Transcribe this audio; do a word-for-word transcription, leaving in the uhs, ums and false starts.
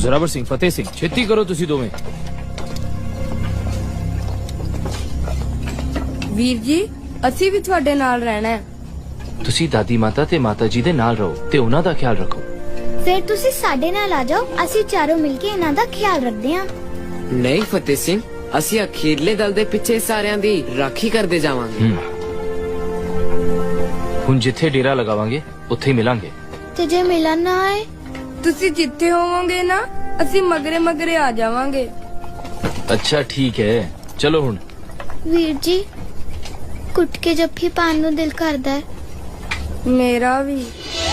ਜ਼ੋਰਾਵਰ ਸਿੰਘ, ਫਤਿਹ ਸਿੰਘ, ਛੇਤੀ ਕਰੋ ਤੁਸੀਂ ਦੋਵੇਂ। ਵੀਰ ਜੀ ਅਸੀਂ ਵੀ ਤੁਹਾਡੇ ਨਾਲ ਰਹਿਣਾ ਹੈ। ਤੁਸੀਂ ਦਾਦੀ ਮਾਤਾ ਤੇ ਮਾਤਾ ਜੀ ਦੇ ਨਾਲ ਰਹੋ ਤੇ ਉਹਨਾਂ ਦਾ ਖਿਆਲ ਰੱਖੋ। ਫਿਰ ਤੁਸੀਂ ਸਾਡੇ ਨਾਲ ਆ ਜਾਓ, ਅਸੀਂ ਚਾਰੋਂ ਮਿਲ ਕੇ ਇਹਨਾਂ ਦਾ ਖਿਆਲ ਰੱਖਦੇ ਹਾਂ। ਨਹੀਂ ਫਤਿਹ ਸਿੰਘ, ਅਸੀਂ ਅਖੀਰਲੇ ਦਲ ਦੇ ਪਿੱਛੇ ਸਾਰਿਆਂ ਦੀ ਰਾਖੀ ਕਰਦੇ ਜਾਵਾਂਗੇ। ਹੁਣ ਜਿੱਥੇ ਡੇਰਾ ਲਗਾਵਾਂਗੇ ਉੱਥੇ ਹੀ ਮਿਲਾਂਗੇ। ਤੇ ਜੇ ਮਿਲਣ ਨਾ ਆਏ? ਤੁਸੀਂ ਜਿੱਥੇ ਹੋਵੋਗੇ ਨਾ ਅਸੀਂ ਮਗਰੇ ਮਗਰੇ ਆ ਜਾਵਾਂਗੇ। ਅੱਛਾ ਠੀਕ ਹੈ, ਚਲੋ ਹੁਣ। ਵੀਰ ਜੀ ਕੁੱਟ ਕੇ ਜੱਫੀ ਪਾਣ ਨੂੰ ਦਿਲ ਕਰਦਾ ਹੈ। ਮੇਰਾ ਵੀ।